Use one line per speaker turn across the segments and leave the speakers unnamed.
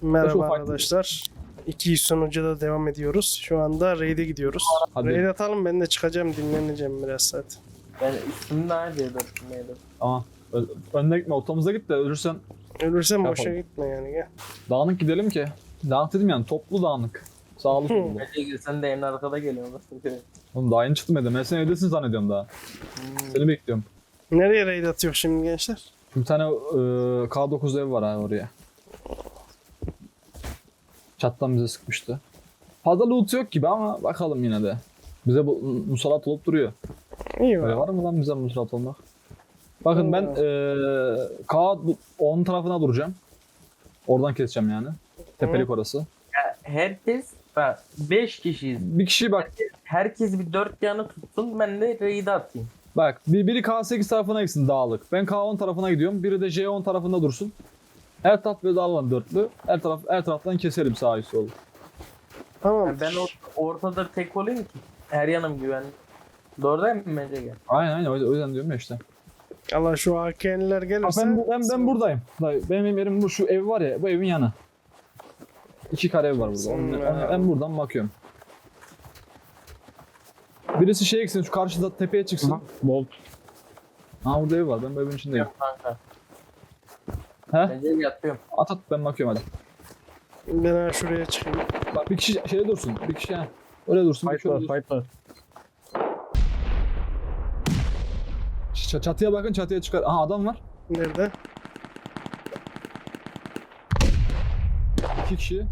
Merhaba arkadaşlar. 200 sonuca da devam ediyoruz. Şu anda raid'e gidiyoruz.
Hadi.
Raid atalım, ben de çıkacağım, dinleneceğim biraz saat.
Ben üstümde neredeydi üstümdeydi.
Ama önüne gitme, ortamıza git de ölürsen
Ölürsem boşa
Yapalım.
gitme yani, gel.
dağınık gidelim ki. Dağınık dedim yani, toplu dağınık. Sağlı sollu.
Bence sen de en arkada geliyorsun.
Oğlum daha yeni çıktım evden. Ben seni evdesin zannediyorum daha. Seni bekliyorum.
Nereye raid atıyor şimdi gençler?
Bir tane K9 ev var abi oraya. Çattan bize sıkmıştı. Fazla loot yok gibi ama bakalım yine de. Bize bu musallat olup duruyor.
İyi
Öyle
var.
var mı lan bize musallat olmak? Bakın ben K10 tarafına duracağım. Oradan keseceğim yani. Tepelik orası.
Herkes, bak 5 kişiyiz.
Bir kişi bak.
Herkes bir 4 yanı tutsun, ben de raid'e atayım.
Bak biri K8 tarafına gitsin dağlık. Ben K10 tarafına gidiyorum. Biri de J10 tarafında dursun. Her taraf böyle dağılan dörtlü. Her taraftan keselim sağ üst solu.
Tamam.
Yani ben ortada tek olayım ki her yanım güvenli. Doğru değil mi bence gel?
Aynen o yüzden diyorum ya işte.
Allah şu AK'liler
Ha,
gelirse.
ben buradayım. Dayı, benim yerim bu, şu ev var ya, bu evin yanı. 2 kare ev var burada. Ben buradan bakıyorum. Birisi şeye gitsin, şu karşıda tepeye çıksın.
Bolt.
Ha burada ev var, ben bu evin içindeyim.
Yok kanka.
He?
Bence yatıyorum.
At ben bakıyorum hadi.
Ben şuraya çıkayım.
Bak bir kişi şeyde dursun, bir kişi ha. Öyle dursun, bir kişi
Fight
öyle
var,
dursun.
fight var.
Çatıya bakın, çatıya çıkar. Aha adam var.
Nerede?
2 kişi.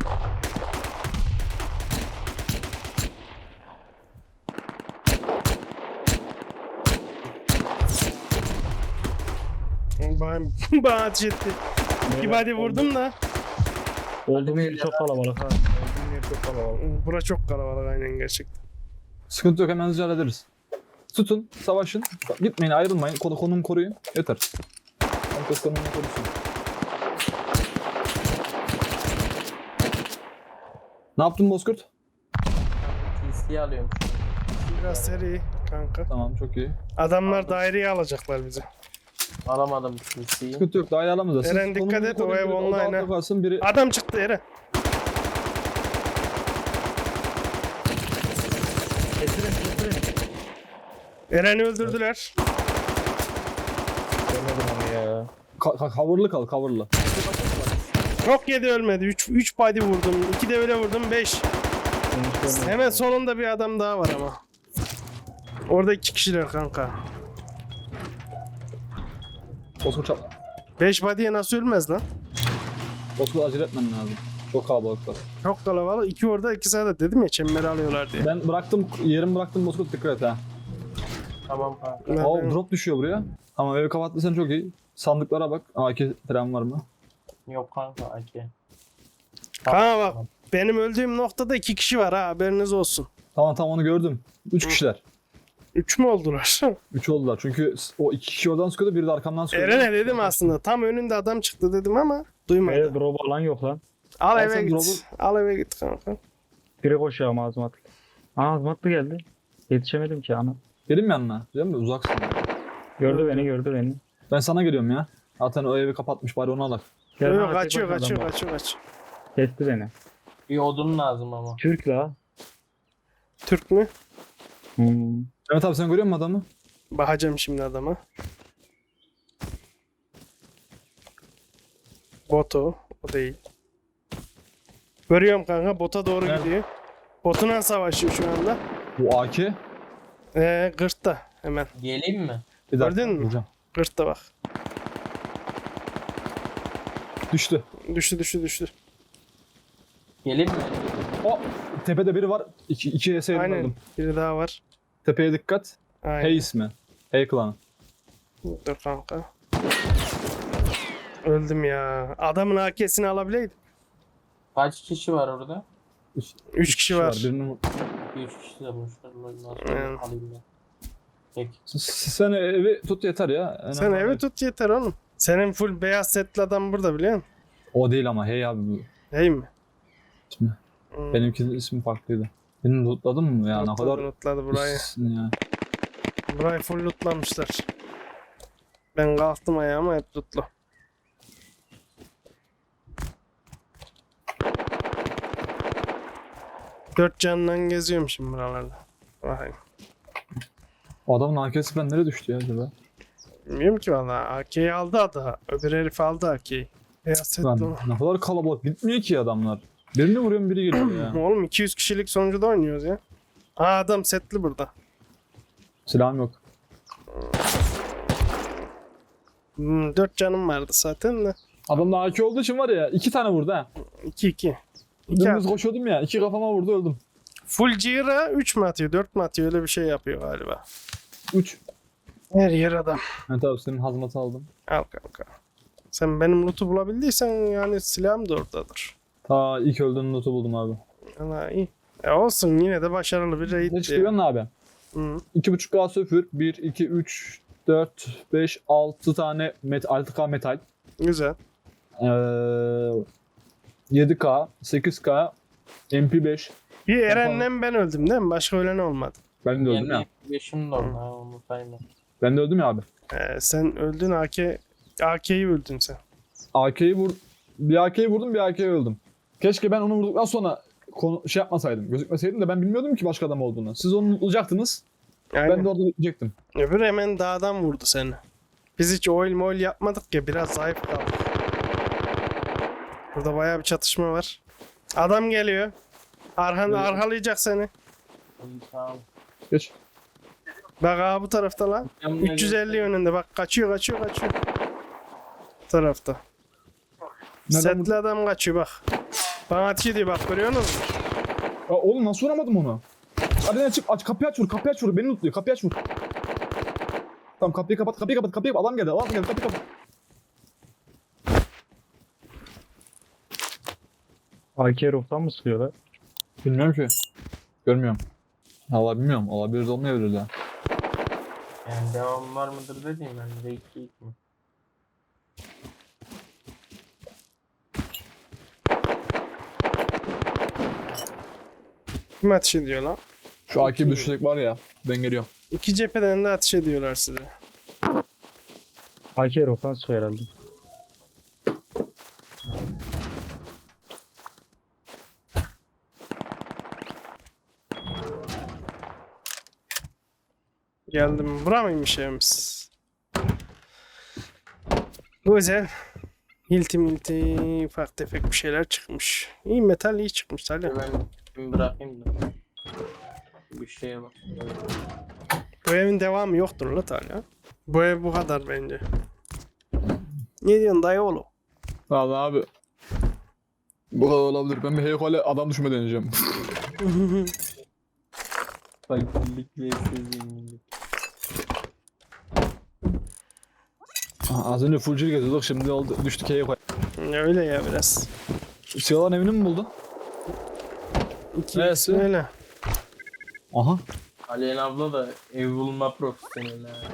Bana ateş etti. Bir body vurdum da.
Olduğum yer çok kalabalık ha. Olduğum yer çok kalabalık.
Bura çok kalabalık aynen gerçekten.
Sıkıntı yok, hemen hızlıca hallederiz. Tutun, savaşın. Bak, gitmeyin, ayrılmayın. Konumu koruyun. Yeter. Herkes konumunu korusun. Ne yaptın Bozkurt?
TC'yi alıyorum.
Biraz seri kanka.
Tamam, çok iyi.
Adamlar daireye alacaklar bizi.
Alamadım TC'yi.
Sıkıntı yok, daha iyi alamaz. Siz
Eren, dikkat
konumunuzu
et, o
koruyun,
ev
biri
online
odada
ha.
kalsın, biri...
Adam çıktı Eren.
Getirin.
Eren'i öldürdüler.
Görmedim onu ya.
Coverlı kal, coverlı.
Çok yedi, ölmedi. 3 body vurdum. 2 de öyle vurdum. 5. Hemen sonunda bir adam daha var ama. Orada 2 kişiler kanka.
Bozkurt çap.
5 body'ye nasıl ölmez lan?
Bozkurt acele etmen lazım. Çok kalabalıklar.
Çok kalabalık. 2 orada, 2 sağda, dedim ya, çemberi alıyorlar diye.
Ben bıraktım, yerimi bıraktım Bozkurt, dikkat et ha.
Tamam kanka.
Ben-
Oo, drop düşüyor buraya. Ama evi kapattıysan çok iyi. Sandıklara bak. AK tren var mı?
Yok kanka AK.
Ha bak, benim öldüğüm noktada 2 kişi var ha, haberiniz olsun.
Tamam onu gördüm. 3 kişiler.
3 mü oldular?
3 oldular çünkü o 2 kişi oradan sıkıyordu, biri de arkamdan sıkıyordu.
Eren'e dedim aslında. Tam önünde adam çıktı dedim ama duymadı.
Böyle drop alan yok lan.
Al
Al
eve
sen
git.
drop'u.
Al eve git kanka.
Biri koşuyor ama azmatlı. Aa azmatlı geldi. Yetişemedim ki ana.
Gelin mi yanına? Değil mi? Uzaksın.
Gördü beni.
Ben sana geliyorum ya. Zaten o evi kapatmış, bari onu alak.
Gel
Yok,
bana, tek
kaçıyor.
başına adam var. Kesti beni.
Bir odun lazım ama.
Türk la.
Türk mü?
Evet abi, sen görüyor musun adamı?
Bakacağım şimdi adama. Boto. O değil. Görüyorum kanka, bota doğru
Evet.
gidiyor. Botuna savaşıyor şu anda.
Bu AK.
Gırtta hemen.
Geleyim mi?
Bir dakika,
Gördün mü?
vuracağım.
Gırtta bak.
Düştü.
Düştü.
Geleyim mi?
O tepede biri var. İki ES'ye
Aynen.
aldım.
Biri daha var.
Tepeye dikkat.
Aynen.
Hey ismi. Hey klanı.
Dur kanka. Öldüm ya. Adamın AK'sini alabileydim.
Kaç kişi var orada?
3 kişi var.
Birinin...
3 kişi de boşver. Nasıl
Evet.
alayım ben? Peki.
Sen evi tut yeter ya.
Sen
Önemli
evi
değil.
tut yeter oğlum. Senin full beyaz setli adam burada, biliyor musun?
O değil ama hey abi bu.
Hey mi?
İsmi. Benimki ismi farklıydı. Beni lootladın mı ya? Ne kadar
Lootladı burayı.
pissin ya.
Burayı full lootlamışlar. Ben kalktım ayağıma, hep lootlu. 4 canla geziyorum şimdi buralarda. Bakayım.
Adamın AK'si ben nereye düştü ya acaba?
Bilmiyorum ki valla. AK'yi aldı adı. Öbür herif aldı AK'yi. Beyaz setli
Lan
o.
ne kadar kalabalık. Bitmiyor ki adamlar. Birini vuruyorum biri geliyor ya.
Oğlum 200 kişilik sonucuda oynuyoruz ya. Aa adam setli burada.
Silahım yok.
4 canım vardı zaten de.
Adamda AK olduğu için var ya 2 tane vurdu ha.
2-2.
Dümdüz koşuyordum ya 2 kafama vurdu öldüm.
Full Jira 3 mü atıyor 4 mü atıyor öyle bir şey yapıyor galiba.
3.
Her yer adam.
Evet abi senin hazmatı aldım.
Al kanka. Sen benim loot'u bulabildiysen yani silahım da oradadır.
Ta ilk öldüğün notu buldum abi.
Allah iyi. Olsun yine de başarılı bir
Ne
raid
çıkıyor
diyor.
abi?
Hı.
2.5K söfür. 1, 2, 3, 4, 5, 6 tane 6K metal.
Güzel.
7K, 8K, MP5.
Bir Eren'le ben öldüm değil mi? Başka ölen olmadı.
Ben de öldüm ya.
Yani beşim de oldu ha onu sayma.
Ben de öldüm ya abi.
Sen öldün AK'yi öldün sen.
Bir AK'yi vurdum, bir AK'yi öldüm. Keşke ben onu vurduktan sonra şey yapmasaydım, gözükmeseydim de ben bilmiyordum ki başka adam olduğunu. Siz onu bulacaktınız,
Aynen.
ben de orada bekleyecektim.
Öbür hemen dağdan vurdu seni. Biz hiç oil yapmadık ya biraz zayıf kaldık. Burada bayağı bir çatışma var. Adam geliyor. Arkalayacak seni.
İyi, tamam.
Geç.
Bak abi bu tarafta lan.
Yanına
350 yönünde bak kaçıyor. Bu tarafta.
Neden
Setli adam kaçıyor bak. Bana ateş ediyor bak görüyor musun?
Ya oğlum nasıl vuramadım onu? Hadi çık aç kapıyı aç vur beni lootluyor kapıyı aç vur. Tamam kapıyı kapat adam geldi kapıyı kapat.
AK ruhtan mı sıkıyorlar?
Bilmiyorum ki. Görmüyorum. Allah bilmiyorum. Olabilir de olmayabilir de.
Yani devam var mıdır dediğim ben de 2 mi?
Kim ateş ediyor lan?
Şu AK'yi düşecek var ya. Ben geliyorum.
2 cepheden de ateş ediyorlar size.
AK ruhtan sıkıyor herhalde.
Geldim. Bura mıymış evimiz? Güzel. Hilti ufak tefek bir şeyler çıkmış. İyi metal iyi çıkmış Salih.
Ben bırakayım da. Bir şeye bak.
Bu evin devamı yoktur la Talya. Bu ev bu kadar bence. Ne diyorsun dayı oğlum?
Vallahi abi. Bu kadar olabilir. Ben bir heykale adam düşme deneyeceğim.
Fakirlik ve zenginlik.
Az önce full geziyorduk şimdi oldu düştük heykale.
Öyle ya biraz.
Silahların evini mi buldun?
İkisi
Evet.
öyle.
Aha.
Aleyna abla da ev bulma profesyoneli ha.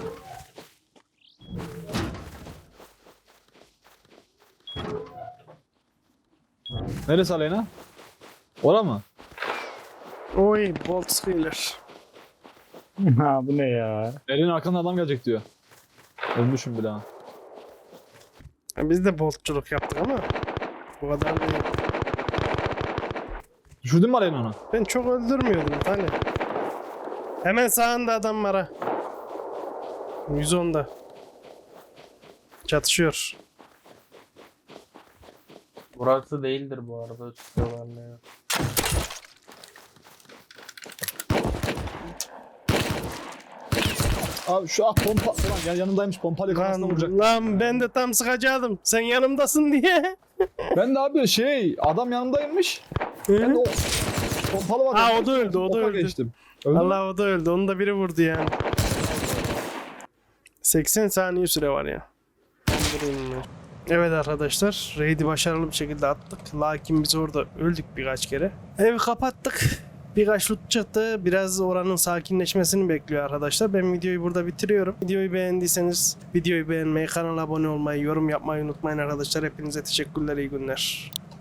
Neresi Aleyna? Ora mı?
Oy bolt skiller.
Ha bu ne ya?
Elin arkandan adam gelecek diyor. Ölmüşüm bile ha.
Biz de boltçuluk yaptık ama bu kadar değil.
Düşürdün mü Aleyna onu?
Ben çok öldürmüyordum Talya. Hemen sağında adam var ha. 110'da. Çatışıyor.
Burası değildir bu arada çıkıyorlar ne ya.
Abi şu pompa ulan yanındaymış pompayla kafasına vuracak.
Lan ben de tam sıkacaktım. Sen yanımdasın diye.
Ben de abi adam yanımdaymış. Ben de o pompalı var.
Ha o da öldü o da
Oka
öldü.
geçtim. Öldü mü?
Allah o da öldü. Onu da biri vurdu yani. 80 saniye süre var ya. Evet arkadaşlar. Raid'i başarılı bir şekilde attık. Lakin biz orada öldük birkaç kere. Evi kapattık. Birkaç loot çıktı. Biraz oranın sakinleşmesini bekliyor arkadaşlar. Ben videoyu burada bitiriyorum. Videoyu beğendiyseniz videoyu beğenmeyi, kanala abone olmayı, yorum yapmayı unutmayın arkadaşlar. Hepinize teşekkürler, iyi günler.